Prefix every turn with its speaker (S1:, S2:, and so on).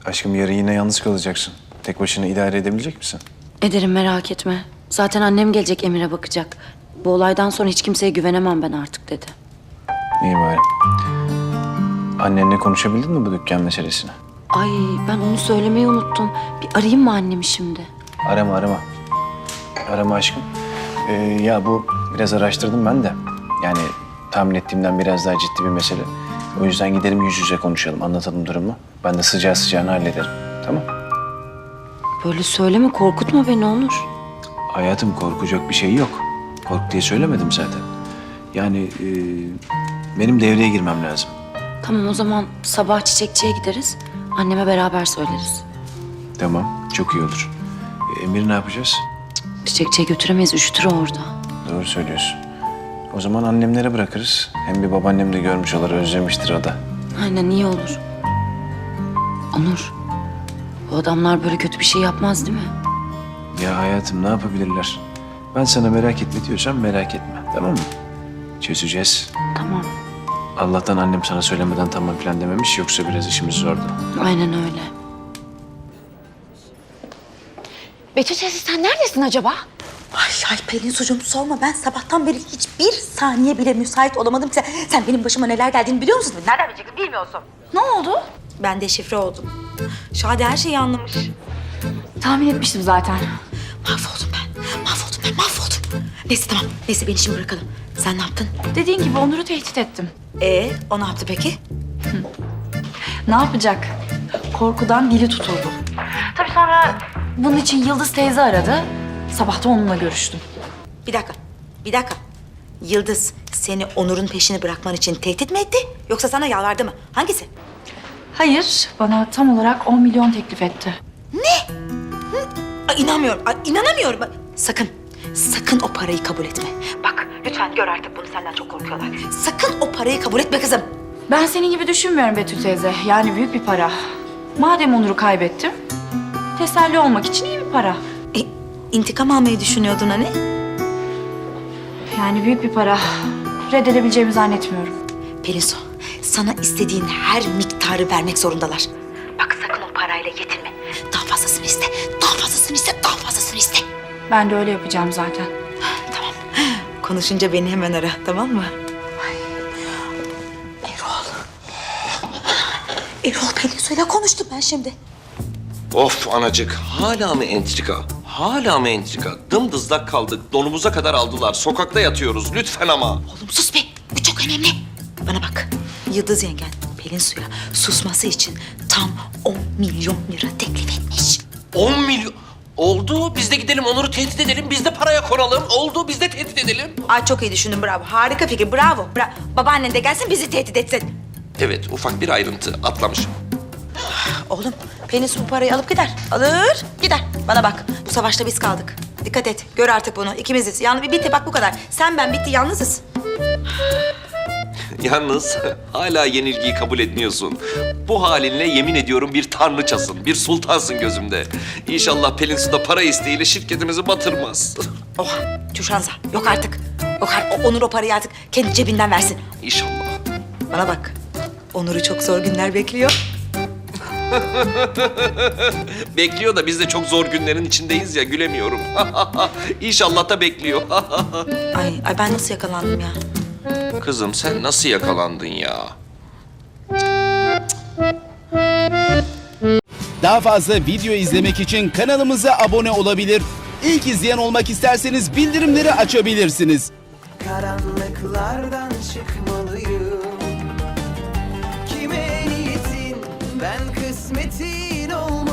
S1: Aşkım yarın yine yalnız kalacaksın. Tek başına idare edebilecek misin?
S2: Ederim, merak etme. Zaten annem gelecek, Emir'e bakacak. Bu olaydan sonra hiç kimseye güvenemem ben artık dedi.
S1: İyi bari. Annenle konuşabildin mi bu dükkan meselesini?
S2: Ay, ben onu söylemeyi unuttum. Bir arayayım mı annemi şimdi?
S1: Arama. Arama aşkım. Ya bu biraz araştırdım ben de. Yani tahmin ettiğimden biraz daha ciddi bir mesele. O yüzden gidelim yüz yüze konuşalım, anlatalım durumu. Ben de sıcağı sıcağına hallederim. Tamam?
S2: Böyle söyleme, korkutma beni Onur.
S1: Hayatım korkacak bir şey yok. Kork diye söylemedim zaten. Yani benim devreye girmem lazım.
S2: Tamam, o zaman sabah çiçekçiye gideriz. Anneme beraber söyleriz.
S1: Tamam, çok iyi olur. Emir'i ne yapacağız?
S2: Çiçekçiye götüremeyiz, üşütür o orada.
S1: Doğru söylüyorsun. O zaman annemlere bırakırız. Hem bir babaannem de görmüş olur, özlemiştir o da.
S2: Aynen, iyi olur. Onur, bu adamlar böyle kötü bir şey yapmaz değil mi?
S1: Ya hayatım ne yapabilirler? Ben sana merak etme diyorsam merak etme, tamam mı? Çözeceğiz.
S2: Tamam,
S1: Allah'tan annem sana söylemeden tamam falan dememiş, yoksa biraz işimiz zordu.
S2: aynen öyle.
S3: Betül teyze sen neredesin acaba?
S4: Ay Pelin sucuğum sorma, ben sabahtan beri hiçbir saniye bile müsait olamadım ki. Sen benim başıma neler geldiğini biliyor musun? Nereden bileceksin, bilmiyorsun.
S3: Ne oldu?
S4: Ben deşifre oldum. Şadi her şeyi anlamış.
S3: Tahmin etmiştim zaten.
S4: Mahvoldum. Neyse tamam, neyse beni şimdi bırakalım. Sen ne yaptın?
S3: Dediğin gibi Onur'u tehdit ettim.
S4: O ne yaptı peki?
S3: Ne yapacak? Korkudan dili tutuldu. Tabii sonra bunun için Yıldız teyze aradı. Sabah da onunla görüştüm.
S4: Bir dakika. Yıldız seni Onur'un peşini bırakman için tehdit mi etti? Yoksa sana yalvardı mı? Hangisi?
S3: Hayır, bana tam olarak 10 milyon teklif etti.
S4: İnanamıyorum. Bak, sakın o parayı kabul etme. Bak lütfen, gör artık bunu, senden çok korkuyorlar. Sakın o parayı kabul etme kızım.
S3: Ben senin gibi düşünmüyorum Betül teyze. Yani büyük bir para. Madem Onur'u kaybettim, teselli olmak için iyi bir para.
S4: İntikam almayı düşünüyordun hani?
S3: Yani büyük bir para. Reddedebileceğimi zannetmiyorum.
S4: Pelinsu, sana istediğin her miktarı vermek zorundalar. Bak sakın o parayla yetinme. Daha fazlasını iste.
S3: Ben de öyle yapacağım zaten.
S4: Tamam. Konuşunca beni hemen ara, tamam mı? Erol Pelinsu'yla konuştum ben şimdi.
S5: Of anacık, hala mı entrika? Hala mı entrika? Dımdızlak kaldık, donumuza kadar aldılar. Sokakta yatıyoruz, lütfen ama.
S4: Oğlum sus be, bu çok önemli. Bana bak, Yıldız yengen Pelinsu'ya susması için tam 10 milyon lira teklif etmiş.
S5: 10 milyon... Oldu, biz de gidelim Onur'u tehdit edelim, biz de paraya konalım. Oldu, biz de tehdit edelim.
S4: Ay çok iyi düşündün, bravo. Harika fikir, bravo. Babaannen de gelsin, bizi tehdit etsin.
S5: Evet, ufak bir ayrıntı, atlamışım.
S4: Oğlum, Pelinsu bu parayı alıp gider. Alır, gider. Bana bak, bu savaşta biz kaldık. Dikkat et, gör artık bunu. İkimiziz. Yani bitti, bak bu kadar. Sen ben bitti, yalnızız.
S5: Yalnız hala yenilgiyi kabul etmiyorsun. Bu halinle yemin ediyorum bir tanrıçasın, bir sultansın gözümde. İnşallah Pelin Su da para isteğiyle şirketimizi batırmaz.
S4: Oha, Tüşanza. Yok artık. Onur o parayı artık kendi cebinden versin.
S5: İnşallah.
S4: Bana bak, Onur'u çok zor günler bekliyor.
S5: Bekliyor da biz de çok zor günlerin içindeyiz ya, gülemiyorum. İnşallah da bekliyor.
S4: Ay ben nasıl yakalandım ya?
S5: Kızım sen nasıl yakalandın ya?
S6: Daha fazla video izlemek için kanalımıza abone olabilir. İlk izleyen olmak isterseniz bildirimleri açabilirsiniz.
S7: Karanlıklardan çıkmalıyım. Kime niyetin, ben kısmetin olmalıyım.